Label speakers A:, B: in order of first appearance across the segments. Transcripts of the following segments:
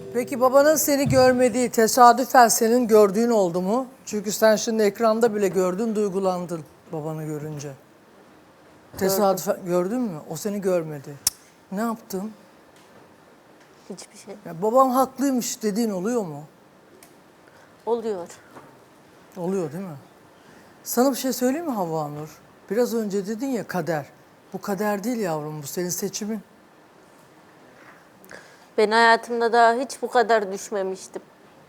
A: Peki babanın seni görmediği, tesadüfen senin gördüğün oldu mu? Çünkü sen şimdi ekranda bile gördün, duygulandın babanı görünce. Tesadüfen gördün mü? O seni görmedi. Ne yaptın?
B: Hiçbir şey.
A: Ya babam haklıymış dediğin oluyor mu?
B: Oluyor.
A: Oluyor değil mi? Sana bir şey söyleyeyim mi Havva Nur? Biraz önce dedin ya kader. Bu kader değil yavrum, bu senin seçimin.
B: Ben hayatımda daha hiç bu kadar düşmemiştim.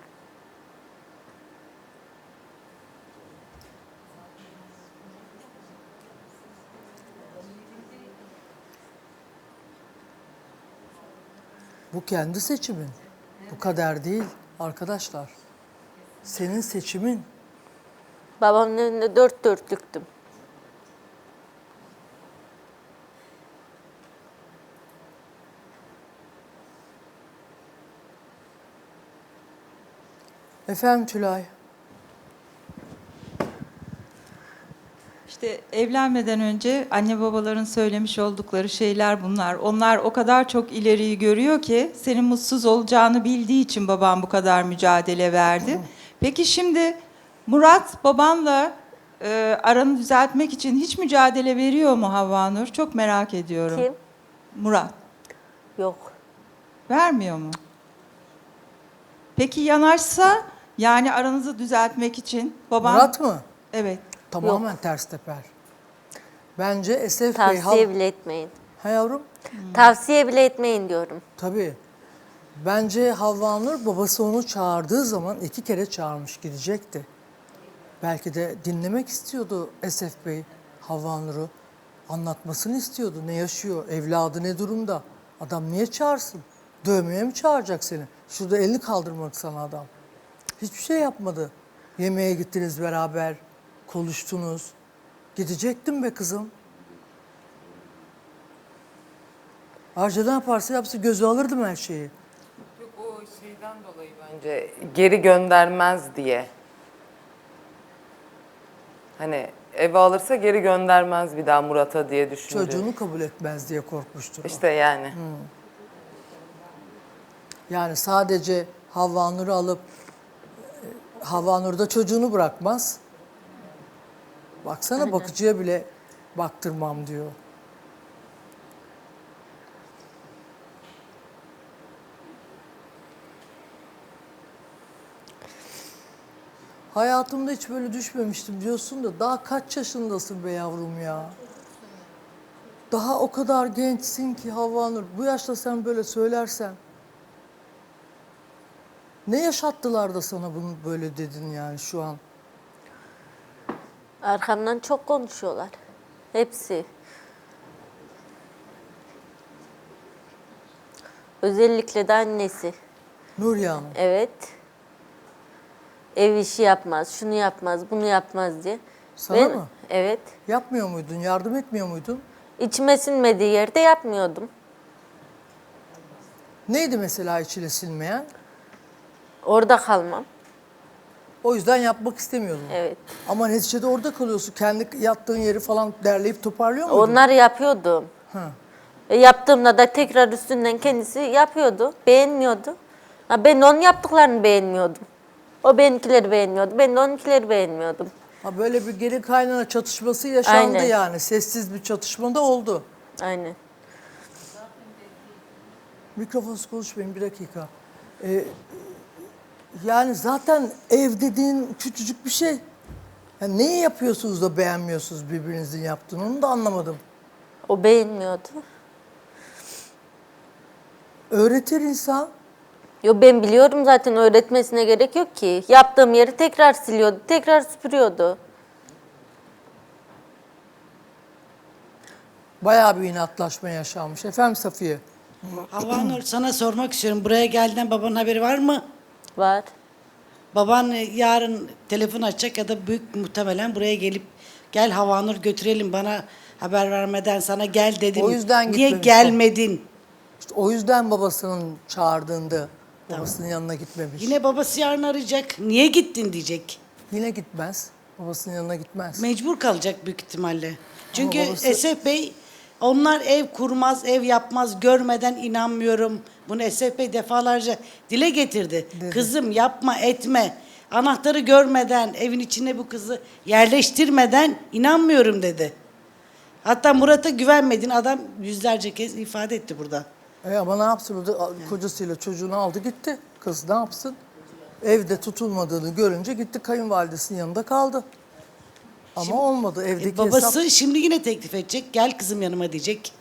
A: Bu kendi seçimin. Bu kader değil arkadaşlar. Senin seçimin.
B: Babamın önünde dört dörtlüktüm.
A: Efendim Tülay.
C: İşte evlenmeden önce anne babaların söylemiş oldukları şeyler bunlar. Onlar o kadar çok ileriyi görüyor ki senin mutsuz olacağını bildiği için babam bu kadar mücadele verdi. Peki şimdi Murat babanla aranı düzeltmek için hiç mücadele veriyor mu Havva Nur? Çok merak ediyorum.
B: Kim?
C: Murat.
B: Yok.
C: Vermiyor mu? Peki yanaşsa yani aranızı düzeltmek için baban...
A: Murat mı?
C: Evet.
A: Tamamen ters teper. Bence Esef Bey...
B: Tavsiye bile etmeyin.
A: Ha yavrum?
B: Tavsiye bile etmeyin diyorum.
A: Tabii. Bence Havva Nur babası onu çağırdığı zaman 2 kere çağırmış gidecekti. Belki de dinlemek istiyordu Esef Bey Havva Nur'u. Anlatmasını istiyordu. Ne yaşıyor, evladı ne durumda. Adam niye çağırsın? Dövmeye mi çağıracak seni? Şurada elini kaldırmak sana adam. Hiçbir şey yapmadı. Yemeğe gittiniz beraber, konuştunuz. Gidecektim be kızım. Ayrıca ne yaparsa yapsın gözü alırdım her şeyi.
D: Yok o şeyden dolayı bence geri göndermez diye. Hani eve alırsa geri göndermez bir daha Murat'a diye düşündü.
A: Çocuğunu kabul etmez diye korkmuştur. o.
D: İşte yani.
A: Yani sadece Havva Nur'u alıp Havva Nur da çocuğunu bırakmaz. Baksana bakıcıya bile baktırmam diyor. Hayatımda hiç böyle düşmemiştim diyorsun da daha kaç yaşındasın be yavrum ya? Daha o kadar gençsin ki Havva Nur. Bu yaşta sen böyle söylersen. Ne yaşattılar da sana bunu böyle dedin yani şu an?
B: Arkamdan çok konuşuyorlar. Hepsi. Özellikle de annesi.
A: Nuriye Hanım.
B: Evet. Ev işi yapmaz, şunu yapmaz, bunu yapmaz diye.
A: Sana mı?
B: Evet.
A: Yapmıyor muydun? Yardım etmiyor muydun?
B: İçime sinmediği yerde yapmıyordum.
A: Neydi mesela içine silmeyen?
B: Orada kalmam.
A: O yüzden yapmak istemiyordun.
B: Evet.
A: Ama neticede orada kalıyorsun. Kendi yattığın yeri falan derleyip toparlıyor muydun?
B: Onları yapıyordum.
A: Ha.
B: Yaptığımda da tekrar üstünden kendisi yapıyordu. Beğenmiyordu. Ha, ben onun yaptıklarını beğenmiyordum. O benimkileri beğenmiyordu. Ben de onunkileri beğenmiyordum.
A: Ha, böyle bir gelin kaynana çatışması yaşandı
B: Aynen.
A: yani. Sessiz bir çatışma da oldu.
B: Aynen.
A: Mikrofonsuz konuşmayın bir dakika. Yani zaten ev dediğin küçücük bir şey. Yani neyi yapıyorsunuz da beğenmiyorsunuz birbirinizin yaptığını onu da anlamadım.
B: O beğenmiyordu.
A: Öğretir insan.
B: Yo, ben biliyorum zaten, öğretmesine gerek yok ki. Yaptığım yeri tekrar siliyordu, tekrar süpürüyordu.
A: Bayağı bir inatlaşma yaşanmış. Efendim Safiye?
E: Havva Nur, sana sormak istiyorum. Buraya geldiğinden babanın haberi var mı?
B: Var.
E: Baban yarın telefon açacak ya da büyük muhtemelen buraya gelip gel Havva Nur götürelim, bana haber vermeden sana gel dedim.
A: O yüzden
E: Niye
A: gitmemiş
E: gelmedin?
A: İşte o yüzden babasının çağırdığında babasının yanına gitmemiş.
E: Yine babası yarın arayacak. Niye gittin diyecek.
A: Yine gitmez. Babasının yanına gitmez.
E: Mecbur kalacak büyük ihtimalle. Çünkü
A: babası-
E: Esef Bey Onlar ev kurmaz, ev yapmaz, görmeden inanmıyorum. Bunu Esef Bey defalarca dile getirdi. Kızım yapma, etme. Anahtarı görmeden, evin içine bu kızı yerleştirmeden inanmıyorum dedi. Hatta Murat'a güvenmediğini adam yüzlerce kez ifade etti burada.
A: Ama ne yapsın burada kocasıyla çocuğunu aldı gitti. Kız ne yapsın? Evde tutulmadığını görünce gitti kayınvalidesinin yanında kaldı. Ama olmadı evdeki
E: Babası
A: hesap.
E: şimdi yine teklif edecek. Gel kızım yanıma diyecek.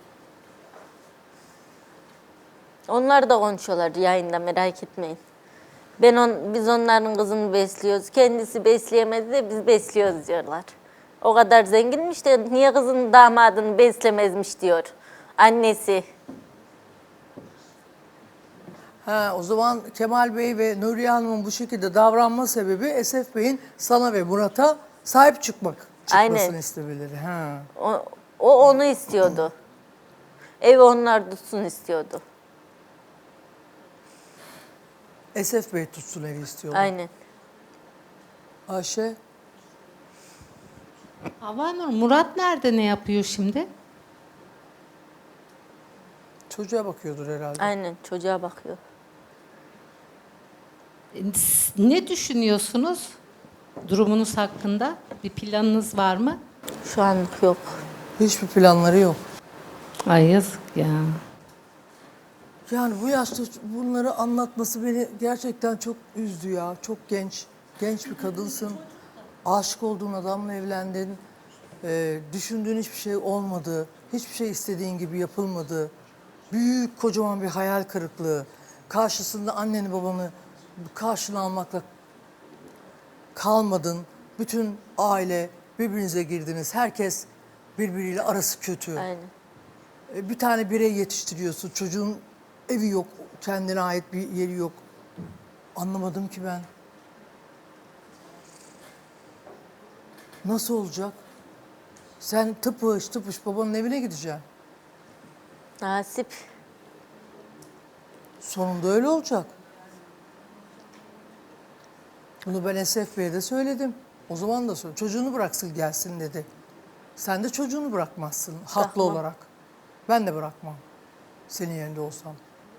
B: Onlar da konuşuyorlar yayında, merak etmeyin. Biz onların kızını besliyoruz. Kendisi besleyemedi de biz besliyoruz diyorlar. O kadar zenginmiş de niye kızın damadını beslemezmiş diyor annesi.
A: O zaman Kemal Bey ve Nuriye Hanım'ın bu şekilde davranma sebebi Esef Bey'in sana ve Murat'a sahip çıkmasını
B: Aynen.
A: istemeleri.
B: O onu istiyordu. Evi onlar tutsun istiyordu.
A: Esef Bey tutsun evi istiyorlar.
B: Aynen.
A: Ayşe,
F: Havanur, Murat nerede, ne yapıyor şimdi?
A: çocuğa bakıyordur herhalde.
B: Aynen çocuğa bakıyor.
F: Ne düşünüyorsunuz durumunuz hakkında? Bir planınız var mı?
B: Şu anlık yok.
A: Hiçbir planları yok.
F: Ay yazık ya.
A: Yani bu yaşta bunları anlatması beni gerçekten çok üzdü ya. Çok genç bir kadınsın. Aşık olduğun adamla evlendin. Düşündüğün hiçbir şey olmadı. Hiçbir şey istediğin gibi yapılmadı. Büyük, kocaman bir hayal kırıklığı. Karşısında anneni babanı karşına almakla kalmadın. Bütün aile birbirinize girdiniz. Herkes birbiriyle arası kötü.
B: Aynen.
A: Bir tane birey yetiştiriyorsun. Çocuğun evi yok, kendine ait bir yeri yok. Anlamadım ki ben. Nasıl olacak? Sen tıpış babanın evine gideceksin.
B: Nasip.
A: Sonunda öyle olacak. Bunu ben Esef Bey'e de söyledim. O zaman da söyledim. Çocuğunu bıraksın gelsin dedi. Sen de çocuğunu bırakmazsın haklı
B: Bırakmam.
A: olarak. Ben de bırakmam. Senin yerinde olsam.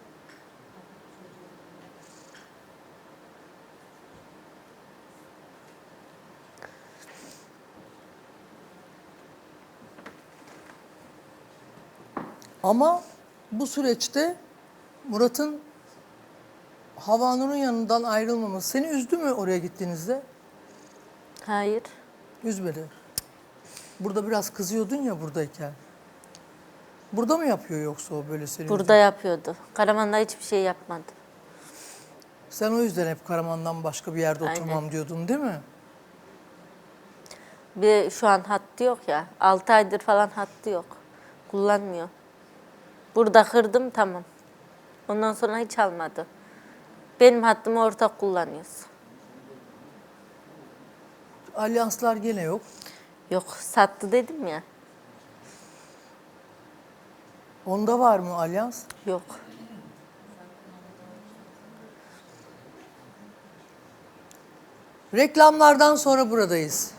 A: Ama bu süreçte Murat'ın Havanur'un yanından ayrılmaması seni üzdü mü oraya gittiğinizde?
B: Hayır.
A: Üzmedi. Burada biraz kızıyordun ya buradayken. Burada mı yapıyor yoksa o böyle seni?
B: Burada yapıyordu. Karaman'da hiçbir şey yapmadı.
A: Sen o yüzden hep Karaman'dan başka bir yerde
B: Aynen.
A: oturmam diyordun değil mi?
B: Bir şu an hattı yok ya. 6 aydır falan hattı yok. Kullanmıyor. Burada kırdım tamam. Ondan sonra hiç almadı. Benim hattımı ortak kullanıyoruz.
A: Alyanslar gene yok.
B: Yok sattı dedim ya.
A: Onda var mı alyans?
B: Yok.
A: Reklamlardan sonra buradayız.